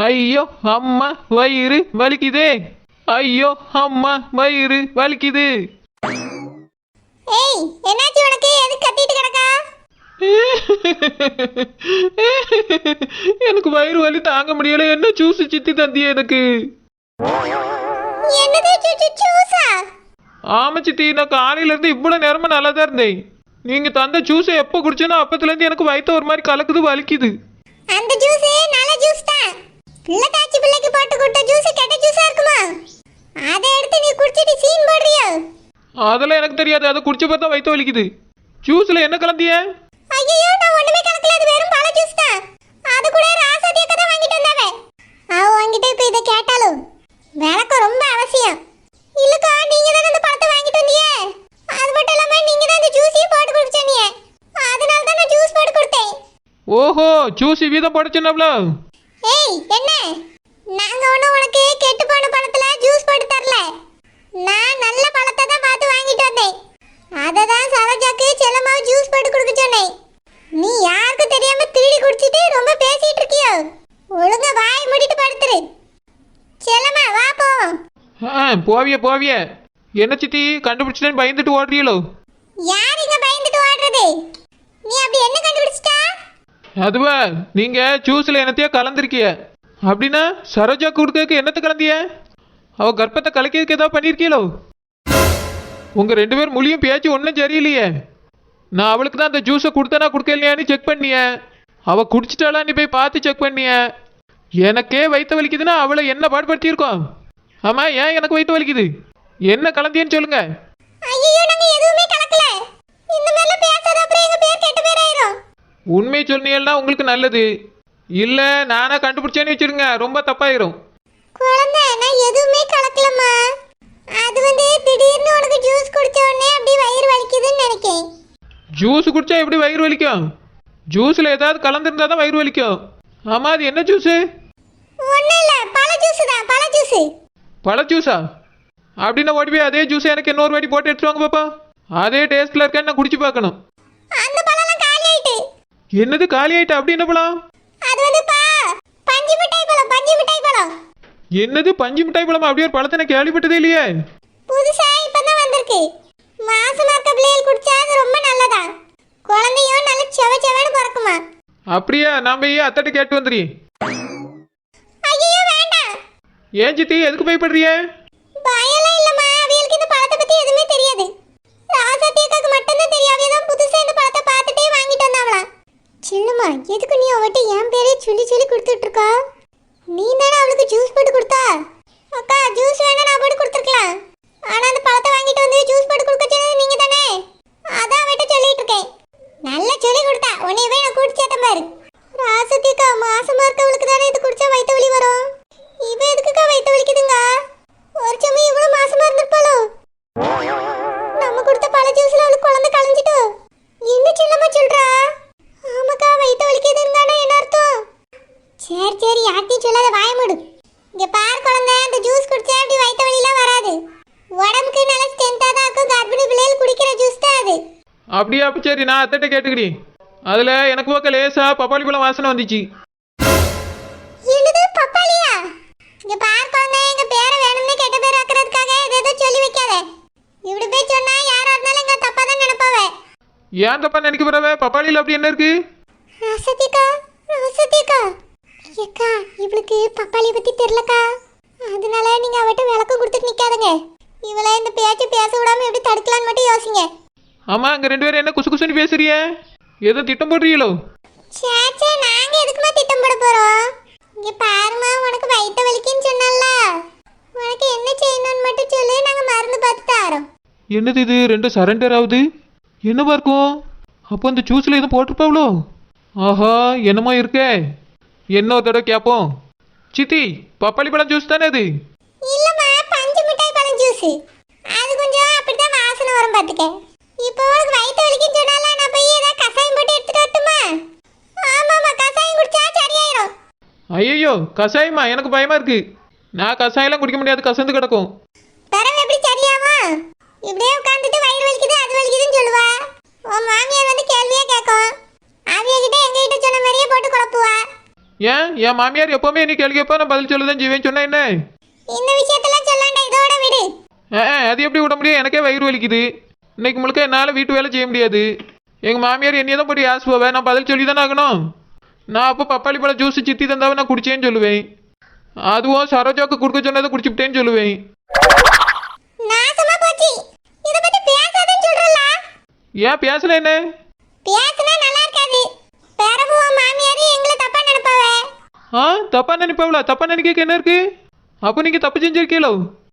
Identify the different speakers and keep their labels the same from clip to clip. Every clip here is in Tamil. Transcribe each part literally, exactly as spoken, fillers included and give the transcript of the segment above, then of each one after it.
Speaker 1: ஐயோ அம்மா வயிறு வலிக்குதே. ஐயோ அம்மா வயிறு வலிக்குது.
Speaker 2: ஏய் என்னாச்சு உனக்கு? எதுக்கு கத்திட்டு கிடக்கா?
Speaker 1: எனக்கு வயிறு வலி தாங்க முடியல. என்ன ஜூஸ் சித்தி தந்திய எனக்கு?
Speaker 2: என்னது ஜூஸா?
Speaker 1: ஆமா சித்தி, நான் காலையில இருந்து இவ்வளவு நேரமா நல்லா தான் இருந்தேன். நீங்க தந்த ஜூஸை எப்போ குடிச்சேனோ அப்பத்துல இருந்து எனக்கு வயிற்று ஒரு மாதிரி கலக்குது, வலிக்குது.
Speaker 2: அந்த ஜூஸ் நல்ல ஜூஸ் தான். பிள்ளை காய்ச்சி பிள்ளைக்கு போட்டு கொடுத்த ஜூஸ் கெட்ட ஜூஸா இருக்குமா? அதை எடுத்து நீ குடிச்சிட்டு சீன் போடுறியோ?
Speaker 1: அதெல்லாம் எனக்கு தெரியாது. அதை குடிச்ச பார்த்தா வயிற்று வலிக்குது. ஜூஸ்ல என்ன கலந்திய?
Speaker 2: ஐயோ நான் ஒண்ணுமே கலக்கல. அது வெறும் பழ ஜூஸ் தான். அது கூட ராசாத்திய கதை வாங்கிட்டு வந்தாவே. அவ வாங்கிட்டு இப்ப இதை கேட்டாலும் விளக்கம் ரொம்ப அவசியம். இல்லக்கா நீங்க தானே அந்த பழத்தை வாங்கிட்டு வந்தீங்க. அது மட்டும் இல்லாம நீங்க தான் அந்த ஜூஸையும் போட்டு குடிச்சீங்க. அதனால தான் நான் ஜூஸ் போட்டு கொடுத்தேன்.
Speaker 1: ஓஹோ, ஜூஸ் வீதம் போடுச்சுனப்ல.
Speaker 2: ஏய் என்ன? நாங்க ஒண்ணு உனக்கு கெட்டு போன பழத்துல ஜூஸ் போட்டு தரல. நான் நல்ல பழத்தை தான் பார்த்து வாங்கிட்டு வந்தேன். அதை தான் சரோஜாக்கு செல்லமாவு ஜூஸ் போட்டு கொடுக்க சொன்னேன். நீ யாருக்கு தெரியாம திருடி குடிச்சிட்டு ரொம்ப பேசிட்டு இருக்கியோ? ஒழுங்கா வாய் மூடிட்டு படுத்துரு. செல்லமா வா போவோம்.
Speaker 1: ஆ போவிய போவிய. என்ன சித்தி கண்டுபிடிச்சிட்டேன்னு பயந்துட்டு ஓடுறீங்களோ?
Speaker 2: யார் இங்க பயந்துட்டு ஓடுறது? நீ அப்படி என்ன கண்டுபிடிச்சிட்டா?
Speaker 1: அதுவா, நீங்க ஜூஸ்ல என்னத்தையோ கலந்துருக்கிய. அப்படின்னா சரோஜா கொடுக்க என்னத்தை கலந்திய? அவ கர்ப்பத்தை கலக்கிறதுக்கு ஏதாவது பண்ணிருக்கீங்களோ? உங்க ரெண்டு பேர் மொழியும் பேச்சு ஒன்றும் சரியில்லையே. நான் அவளுக்கு தான் அந்த ஜூஸை கொடுத்தனா கொடுக்கலையான்னு செக் பண்ணிய. அவ குடிச்சிட்டாளான்னு போய் பார்த்து செக் பண்ணிய. எனக்கே வயிற்று வலிக்குதுன்னா அவளை என்ன பாடுபடுத்தியிருக்கோம்? ஆமா, ஏன் எனக்கு வயிற்று வலிக்குது? என்ன கலந்தியன்னு சொல்லுங்க.
Speaker 2: ஐயோ நாங்க எதுவுமே கலக்கல. இந்த மேல பேசாத, அப்புறம் எங்க பேர் கெட்ட பேர் ஆயிரும்.
Speaker 1: உண்மை சொன்னீங்கன்னா உங்களுக்கு நல்லது. இல்ல நானா கண்டுபிடிச்சேன்னு வச்சிருங்க, ரொம்ப தப்பாயிரும்.
Speaker 2: குழந்தை நான் எதுவுமே கலக்கலம்மா. அது வந்து திடீர்னு உனக்கு ஜூஸ் குடிச்ச உடனே அப்படி வயிறு வலிக்குதுன்னு நினைக்கேன்.
Speaker 1: ஜூஸ் குடிச்சா எப்படி வயிறு வலிக்கும்? ஜூஸ்ல ஏதாவது கலந்துருந்தா தான் வயிறு வலிக்கும். ஆமா, அது என்ன ஜூஸ்?
Speaker 2: ஒண்ணும் இல்ல, பழ ஜூஸ் தான். பழ ஜூஸ்.
Speaker 1: பழ ஜூஸா? அப்படின்னா ஓடி போய் அதே ஜூஸ் எனக்கு இன்னொரு வாட்டி போட்டு எடுத்துட்டு வாங்க பாப்பா. அதே டேஸ்ட்ல இருக்கேன்னு நான் குடிச்சு பார்க்கணும்.
Speaker 2: அந்த பழம்லாம் காலி ஆயிட்டு.
Speaker 1: என்னது காலி ஆயிட்டு? அப்படி என்ன பழம்?
Speaker 2: அது வந்து பா பஞ்சு மிட்டாய் பழம். பஞ்சு மிட்டாய் பழம்.
Speaker 1: என்னது பஞ்சு மிட்டாய் பழம்? அப்படியே ஒரு பழத்தை நான் கேள்விப்பட்டதே இல்லையே.
Speaker 2: புதுசா இப்பதான் வந்திருக்கு. மாசமா இருக்க பிள்ளைகள் குடிச்சா அது ரொம்ப நல்லதா. குழந்தையும் நல்ல செவ செவன்னு பிறக்குமா.
Speaker 1: அப்படியா? நான் போய் அத்தட்ட கேட்டு வந்துடுறேன்.
Speaker 2: ஐயோ வேண்டாம்.
Speaker 1: ஏன் சித்தி எதுக்கு பயப்படுறிய?
Speaker 2: பயலாம் இல்லம்மா, அவங்களுக்கு இந்த பழத்தை பத்தி எதுவுமே தெரியாது. ராசாத்தியக்காக்கு மட்டும்தான் தெரியும். அவ தான் புதுசா இந்த பழத்தை பார்த்துட்டே வாங்கிட்டு வந்தாவளா. சின்னம்மா எதுக்கு நீ அவட்ட என் பேரே சொல்லி சொல்லி கொடுத்துட்டு இருக்கா? நீ தானே அவளுக்கு ஜூஸ் போட்டு கொடுத்தா? அக்கா ஜூஸ் வேணா நான் போட்டு கொடுத்துருக்கலாம். ஆனா அந்த பழத்தை வாங்கிட்டு வந்து ஜூஸ் போட்டு கொடுக்க சொன்னது நீங்க தானே. அதான் அவட்ட சொல்லிட்டு இருக்கேன். நல்லா சொல்லி கொடுத்தா. உன்னையவே நான் கூட்டி சேட்டம் பாரு. ராசத்தியக்கா மாசமா இருக்கவளுக்கு தானே இது குடிச்சா வயிற்று வலி வரும். இவ எதுக்குக்கா வயிற்று வலிக்குதுங்க? ஒரு சமயம் இவ்வளவு மாசமா இருந்திருப்பாளோ? நம்ம கொடுத்த பழ ஜூஸ்ல அவளுக்கு குழந்தை கலைஞ்சிட்டோ? என்ன சின்னம்மா சொல்றா? ஆமாக்கா வயிற்று வலிக்குதுன்னு என்ன அர்த்தம்? சரி சரி யார்த்தையும் சொல்லாத, வாய மூடு. இங்க பார் குழந்தை, அந்த ஜூஸ் குடிச்சா அப்படி வயிற்று வலிலாம் வராது. உடம்புக்கு நல்ல ஸ்ட்ரென்த்தா தான் இருக்கும். கர்ப்பிணி பிள்ளைகள் குடிக்கிற ஜூஸ் தான் அது.
Speaker 1: அப்படியா? அப்ப சரி, நான் அத்தட்ட கேட்டுக்கிறேன். அதுல எனக்கு பக்கம் லேசா பப்பாளி பழம் வாசனை வந்துச்சு.
Speaker 2: என்னது பப்பாளியா? இங்க பார் குழந்தை, எங்க பேரை வேணும்னே கெட்ட பேர் ஆக்குறதுக்காக ஏதோ சொல்லி வைக்காத. இப்படி போய் சொன்னா யாரா இருந்தாலும் எங்க தப்பா தான் நினைப்பாவே.
Speaker 1: ஏன் தப்பா நினைக்க போறவ? பப்பாளியில் அப்படி என்ன இருக்கு?
Speaker 2: ராசத்தியக்கா ராசத்தியக்கா ஏக்கா இவளுக்கு பப்பாளியை பத்தி தெரியலக்கா. அதனால நீங்க அவட்ட விளக்கம் கொடுத்துட்டு நிக்காதங்க. இவளை இந்த பேச்சு பேச விடாம எப்படி தடுக்கலான்னு மட்டும் யோசிங்க.
Speaker 1: ஆமா, அங்க ரெண்டு பேரும் என்ன குசு குசுன்னு பேசுறிய? ஏதோ திட்டம் போடுறீங்களோ?
Speaker 2: சேச்சே நாங்க எதுக்குமா திட்டம் போட போறோம்? இங்க பாருமா, உனக்கு வயிற்று வலிக்குன்னு சொன்னல்ல, உனக்கு என்ன செய்யணும்னு மட்டும் சொல்லு, நாங்க மருந்து பார்த்து தரோம்.
Speaker 1: என்னது இது ரெண்டு சரண்டர் ஆகுது? என்னவா இருக்கும்? அப்போ அந்த ஜூஸ்ல எதுவும் போட்டிருப்பாவளோ? ஆஹா, என்னமோ இருக்கே. என்ன ஒரு தடவை கேட்போம். சித்தி, பப்பாளி பழம் ஜூஸ் தானே அது?
Speaker 2: இல்லம்மா, பஞ்சு மிட்டாய் பழம் ஜூஸ். அது கொஞ்சம் அப்படிதான் வாசனை வரும் பாத்துக்க. இப்போ உனக்கு வயிற்று வலிக்குன்னு சொன்னால நான் போய் ஏதாவது கசாயம் போட்டு எடுத்துட்டு வரட்டுமா? ஆமாம்மா, கசாயம் குடிச்சா சரியாயிரும்.
Speaker 1: ஐயோ, கசாயமா? எனக்கு பயமா இருக்கு. நான் கசாயம்லாம் குடிக்க முடியாது, கசந்து கிடக்கும்.
Speaker 2: தரவு எப்படி சரியாமா? இப்படியே உட்காந்துட்டு வயிறு வலிக்குது அது வலிக்குதுன்னு சொல்லுவா. உன் மாமியார் வந்து கேள்வியே கேட்கும். அவிய கிட்ட எங்க கிட்ட சொன்ன மாதிரியே போட்டு குழப்புவா.
Speaker 1: ஏன் என் மாமியார் எப்போவுமே நீ கேள்வி கேட்பா நான் பதில் சொல்ல தான் செய்வேன் சொன்னேன் என்ன
Speaker 2: இந்த விஷயத்தெல்லாம் சொல்லாண்டா, இதோட விடு.
Speaker 1: ஆ அது எப்படி விட முடியும்? எனக்கே வயிறு வலிக்குது. இன்னைக்கு முழுக்க என்னால் வீட்டு வேலை செய்ய முடியாது. எங்கள் மாமியார் என்னையே தான் போட்டு ஆசை போவேன். நான் பதில் சொல்லி தானே ஆகணும். நான் அப்போ பப்பாளி பழம் ஜூஸ் சித்தி தந்தாவே நான் குடிச்சேன்னு சொல்லுவேன். அதுவும் சரோஜாவுக்கு கொடுக்க சொன்னதை குடிச்சுட்டேன்னு சொல்லுவேன்.
Speaker 2: நாசமா போச்சு. இத பத்தி பேசாதன்னு சொல்றல.
Speaker 1: ஏன் பேசல என்ன?
Speaker 2: பேசினா நல்லா இருக்காது. பேரவு மாமியார் எங்களை தப்பா நினைப்பாவே.
Speaker 1: ஆ தப்பா நினைப்பாவளா? தப்பா நினைக்க என்ன இருக்கு? அப்போ நீங்கள் தப்பு செஞ்சிருக்கீங்களோ?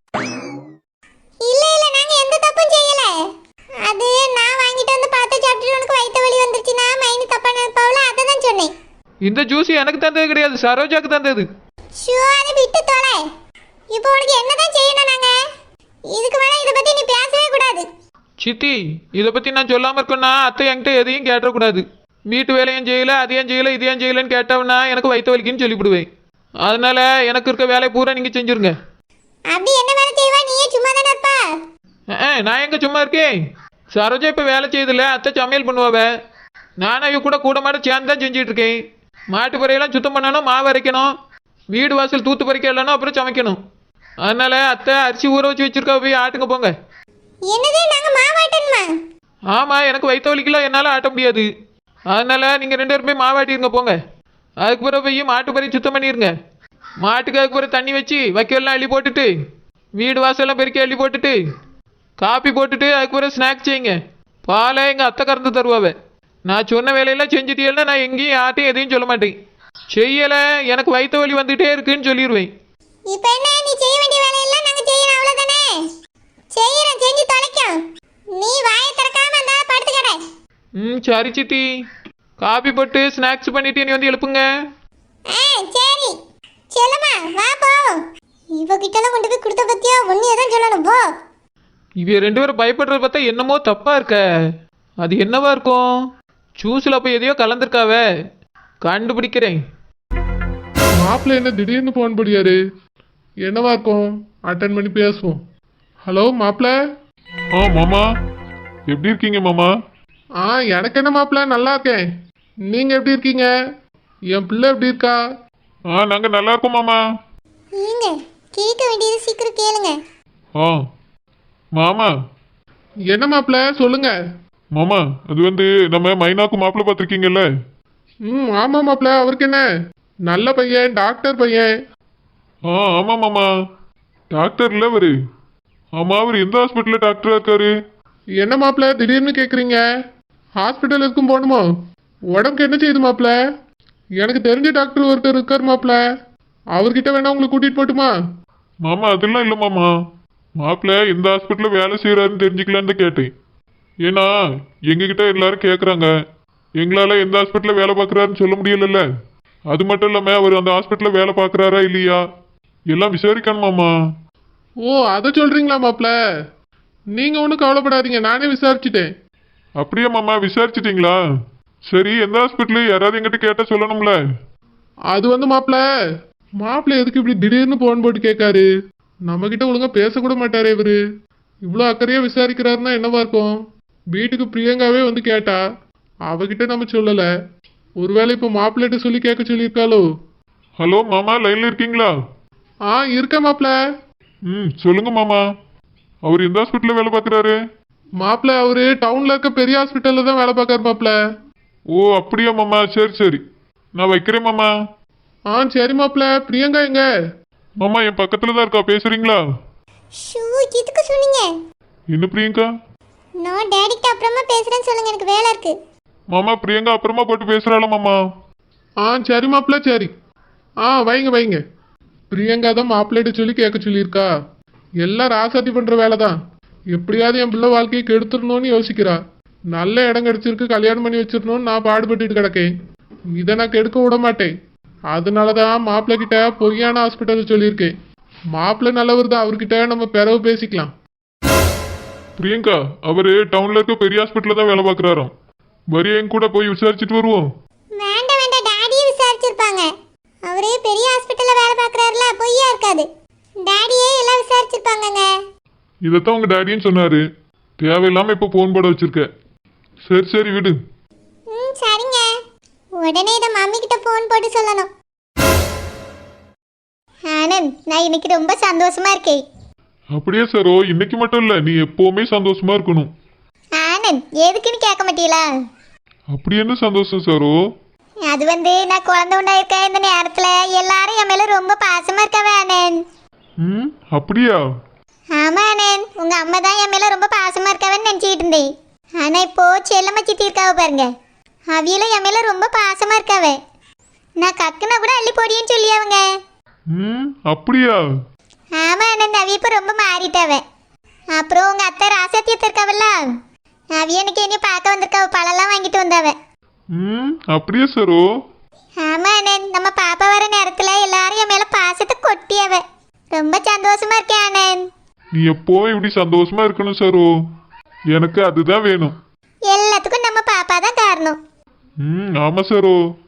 Speaker 2: இல்ல இல்ல, நாங்க எந்த தப்பும் செய்யல. அது நான் வாங்கிட்டு வந்து பார்த்து சாப்பிட்டு உனக்கு வயித்து வலி வந்துருச்சுனா மைனி தப்பா நினைப்பாவல, அத தான் சொன்னேன்.
Speaker 1: இந்த ஜூஸ் எனக்கு தந்தது கிடையாது, சரோஜாக்கு தந்தது.
Speaker 2: ஷூ, அதை விட்டு தொலை. இப்போ உனக்கு என்னதான் செய்யணும் நாங்க? இதுக்கு மேல இத பத்தி நீ பேசவே கூடாது.
Speaker 1: சித்தி இதை பற்றி நான் சொல்லாமல் இருக்கேன்னா அத்தை என்கிட்ட எதையும் கேட்டக்கூடாது. வீட்டு வேலையும் செய்யல, அதையும் செய்யல, இதையும் செய்யலன்னு கேட்டவனா எனக்கு வயிற்று வலிக்குன்னு சொல்லிவிடுவேன். அதனால எனக்கு இருக்க வேலையை பூரா நீங்கள் செஞ்சுருங்க.
Speaker 2: அப்படி என்ன வேலை செய்வா? நீயே சும்மா தானே இருப்பா.
Speaker 1: ஆ நான் எங்கே சும்மா இருக்கேன்? சரோஜா இப்போ வேலை செய்யுதில்ல, அத்தை சமையல் பண்ணுவாவ. நானும் இவ கூட கூட மாட சேர்ந்து தான் செஞ்சுட்டு இருக்கேன். மாட்டு பறையெல்லாம் சுத்தம் பண்ணணும், மாவு அரைக்கணும், வீடு வாசல் தூத்து பறிக்க இல்லைன்னா அப்புறம் சமைக்கணும். அதனால அத்தை அரிசி ஊற வச்சு வச்சிருக்கா, போய் ஆட்டுங்க போங்க.
Speaker 2: என்னது, நாங்க மாவாட்டணுமா?
Speaker 1: ஆமாம், எனக்கு வயிற்று வலிக்கல, என்னால் ஆட்ட முடியாது. அதனால நீங்கள் ரெண்டு பேரும் போய் மாவாட்டிருங்க போங்க. அதுக்கு பிறகு போய் மாட்டு பறி சுத்தம் பண்ணிடுங்க. மாட்டுக்கு அதுக்கு பிறகு தண்ணி வச்சு வைக்கல்லாம் அள்ளி போட்டுட்டு வீடு வாசல்லாம் பெருக்கி அள்ளி போட்டுட்டு காப்பி போட்டுட்டு அதுக்கு பிறகு ஸ்நாக்ஸ் செய்யுங்க. பாலை எங்கள் அத்தை கறந்து தருவாவே. நான் சொன்ன வேலையெல்லாம் செஞ்சுட்டீங்கன்னா நான் எங்கேயும் யார்ட்டையும் எதையும் சொல்ல மாட்டேன். செய்யலை, எனக்கு வயிற்று வலி வந்துகிட்டே இருக்குன்னு சொல்லிடுவேன்.
Speaker 2: இப்போ என்ன, நீ செய்ய வேண்டிய வேலையெல்லாம் நாங்க செய்யணும், அவ்வளவுதானே? செய்யறோம், செஞ்சு தொலைக்கும். நீ வாயை திறக்காம அந்த படுத்து கடை.
Speaker 1: ம் சரி சித்தி. காப்பி போட்டு ஸ்நாக்ஸ் பண்ணிட்டு நீ வந்து எழுப்புங்க.
Speaker 2: ஆ சரி. செல்லம்மா வா போவோம். இவகிட்டலாம் கொண்டு போய் கொடுத்த பத்தியா ஒன்னு எதான் சொல்லணும் போ.
Speaker 1: இவ ரெண்டு பேரும் பயப்படுறத பார்த்தா என்னமோ தப்பா இருக்க. அது என்னவா இருக்கும்? ஜூஸில் அப்போ எதையோ கலந்துருக்காவே, கண்டுபிடிக்கிறேன்.
Speaker 3: மாப்பிள்ள என்ன திடீர்னு ஃபோன் பண்ணியாரு? என்னவா இருக்கும்? அட்டன் பண்ணி பேசுவோம். ஹலோ மாப்பிள்ள.
Speaker 4: ஆ மாமா, எப்படி இருக்கீங்க மாமா?
Speaker 3: ஆ எனக்கு என்ன மாப்பிள்ள, நல்லா இருக்கேன். நீங்க எப்படி இருக்கீங்க? என் பிள்ளை எப்படி இருக்கா?
Speaker 4: ஆ நாங்கள் நல்லா இருக்கோம் மாமா.
Speaker 2: நீங்க கேட்க வேண்டியது சீக்கிரம் கேளுங்க.
Speaker 4: ஆ மாமா.
Speaker 3: என்ன மாப்பிள்ள சொல்லுங்க.
Speaker 4: மாமா, அது வந்து நம்ம மைனாக்கு மாப்பிள்ளை பார்த்துருக்கீங்கல்ல?
Speaker 3: ம் ஆமாம் மாப்பிள்ள, அவருக்கு என்ன? நல்ல பையன், டாக்டர் பையன்.
Speaker 4: ஆ ஆமாம் மாமா, டாக்டர் இல்லை அவரு. ஆமாம், அவர் எந்த ஹாஸ்பிட்டலில் டாக்டராக இருக்காரு?
Speaker 3: என்ன மாப்பிள்ள திடீர்னு கேட்குறீங்க? ஹாஸ்பிட்டல் இருக்கும் போகணுமோ? உடம்புக்கு என்ன செய்யுது மாப்பிள்ள? எனக்கு தெரிஞ்ச டாக்டர் ஒருத்தர் இருக்கார் மாப்பிள்ள, அவர்கிட்ட வேணா உங்களை கூட்டிகிட்டு போட்டுமா?
Speaker 4: மாமா அதெல்லாம் இல்லை மாமா. மாப்பிள்ளை எந்த ஹாஸ்பிட்டலில் வேலை செய்கிறாருன்னு தெரிஞ்சுக்கலான்னு தான் கேட்டேன். ஏன்னா எங்ககிட்ட எல்லாரும் கேட்குறாங்க, எங்களால் எந்த ஹாஸ்பிட்டலில் வேலை பார்க்குறாருன்னு சொல்ல முடியலல்ல. அது மட்டும் இல்லாமல் அவர் அந்த ஹாஸ்பிட்டலில் வேலை பார்க்குறாரா இல்லையா எல்லாம் விசாரிக்கணுமாம்மா.
Speaker 3: ஓ அதை சொல்கிறீங்களா மாப்பிள்ள? நீங்கள் ஒன்றும் கவலைப்படாதீங்க, நானே விசாரிச்சுட்டேன்.
Speaker 4: அப்படியே மாமா, விசாரிச்சிட்டிங்களா? சரி, எந்த ஹாஸ்பிட்டலு யாராவது எங்கிட்ட கேட்டால் சொல்லணும்ல.
Speaker 3: அது வந்து மாப்பிள்ள, மாப்பிள்ள எதுக்கு இப்படி திடீர்னு ஃபோன் போட்டு கேட்காரு? நம்மக்கிட்ட ஒழுங்காக பேசக்கூட மாட்டாரே இவரு. இவ்வளோ அக்கறையாக விசாரிக்கிறாருன்னா என்னவா இருக்கும்? வீட்டுக்கு பிரியங்காவே வந்து கேட்டா, அவகிட்ட நம்ம சொல்லலை. ஒருவேளை இப்போ மாப்பிள்ளைகிட்ட சொல்லி கேட்க சொல்லியிருக்காளோ?
Speaker 4: ஹலோ மாமா, லைனில் இருக்கீங்களா?
Speaker 3: ஆ இருக்க மாப்பிள்ள.
Speaker 4: ம் சொல்லுங்க மாமா, அவர் எந்த ஹாஸ்பிட்டலில் வேலை பார்க்குறாரு?
Speaker 3: மாப்பிள்ள அவரு டவுனில் இருக்க பெரிய ஹாஸ்பிட்டலில் தான் வேலை பார்க்காரு மாப்பிள்ள.
Speaker 4: ஓ அப்படியா மாமா, சரி சரி, நான் வைக்கிறேன் மாமா.
Speaker 3: ஆ சரி மாப்பிள்ள. பிரியங்கா எங்க?
Speaker 4: மாமா என் பக்கத்தில் தான் இருக்கா, பேசுறீங்களா?
Speaker 2: ஷூ, எதுக்கு சொன்னீங்க?
Speaker 4: என்ன பிரியங்கா?
Speaker 2: நான் டேடிட்ட அப்புறமா பேசுறேன்னு சொல்லுங்க, எனக்கு வேலை இருக்கு.
Speaker 4: மாமா பிரியங்கா அப்புறமா போட்டு பேசுகிறாளா மாமா?
Speaker 3: ஆ சரி மாப்பிள்ள சரி. ஆ வைங்க வைங்க. பிரியங்கா தான் மாப்பிள்ளைகிட்ட சொல்லி கேட்க சொல்லியிருக்கா. எல்லாம் ராசாத்தி பண்ணுற வேலை தான். எப்படியாவது என் பிள்ளை வாழ்க்கையை கெடுத்துடணும்னு யோசிக்கிறா. நல்ல இடம் கிடச்சிருக்கு, கல்யாணம் பண்ணி வச்சிடணும்னு நான் பாடுபட்டுட்டு கிடக்கேன். இதை நான் கெடுக்க விட மாட்டேன். அதனால தான் மாப்பிள்ளை கிட்ட பொய்யான ஹாஸ்பிட்டல் சொல்லியிருக்கேன். மாப்பிள்ளை நல்லவர் தான், அவர்கிட்ட நம்ம பிறகு பேசிக்கலாம்.
Speaker 4: பிரியங்கா அவர் டவுனில் இருக்க பெரிய ஹாஸ்பிட்டலில் தான் வேலை பார்க்குறாராம். வரியா என் கூட போய் விசாரிச்சுட்டு வருவோம்.
Speaker 2: வேண்டாம் வேண்டாம், டாடியே விசாரிச்சிருப்பாங்க. அவரே பெரிய ஹாஸ்பிட்டல்ல வேலை பார்க்கறாருல, பொய்யா இருக்காது. டாடியே எல்லாம் விசாரிச்சிருப்பாங்கங்க.
Speaker 4: இதைத்தான் உங்கள் டேடின்னு சொன்னார். தேவையில்லாமல் இப்போ ஃபோன் போட வச்சிருக்க. சரி சரி விடு.
Speaker 2: ம் சரிங்க. உடனே இதை மம்மி கிட்ட ஃபோன் போட்டு சொல்லணும். நான் இன்னைக்கு ரொம்ப சந்தோஷமா இருக்கேன்.
Speaker 4: அப்படியே சரோ, இன்னைக்கு மட்டும் இல்ல, நீ எப்பவுமே சந்தோஷமா இருக்கணும்.
Speaker 2: ஆனந்த், எதுக்குன்னு கேட்க மாட்டீங்களா?
Speaker 4: அப்படி என்ன சந்தோஷம் சரோ?
Speaker 2: அது வந்து நான் குழந்தை உண்டாயிருக்க இந்த நேரத்துல எல்லாரும் என் மேல ரொம்ப பாசமா இருக்காவே ஆனந்த்.
Speaker 4: ம், அப்படியா?
Speaker 2: ஆமா ஆனந்த், உங்க அம்மா தான் என் மேல ரொம்ப பாசமா இருக்காவன்னு நினைச்சுக்கிட்டு இருந்தேன். ஆனா இப்போ செல்லம்மா சித்தி இருக்காவ பாருங்க, அவியலும் என் மேல ரொம்ப பாசமா இருக்காவ. நான் கக்குனா கூட அள்ளி போடின்னு சொல்லி அவங்க.
Speaker 4: ம், அப்படியா?
Speaker 2: ஆமா ஆனந்த், அவிய இப்போ ரொம்ப மாறிட்டாவ. அப்புறம் உங்க அத்தை ராசாத்தியத்தை இருக்காவல்ல, அவிய எனக்கு என்னைய பார்க்க வந்திருக்காவ, பழம்லாம் வாங்கிட்டு வந்தாவ.
Speaker 4: ம், அப்படியே சரோ?
Speaker 2: ஆமா ஆனந்த், நம்ம பாப்பா வர நேரத்துல எல்லாரும் என் மேல பாசத்தை கொட்டியாவ. ரொம்ப சந்தோஷமா இருக்கேன் ஆனந்த்.
Speaker 4: நீ எப்பவும் இப்படி சந்தோஷமா இருக்கணும் சரோ, எனக்கு அதுதான் வேணும்.
Speaker 2: எல்லாத்துக்கும் நம்ம பாப்பா தான் காரணம்.
Speaker 4: ம், ஆமா சரோ.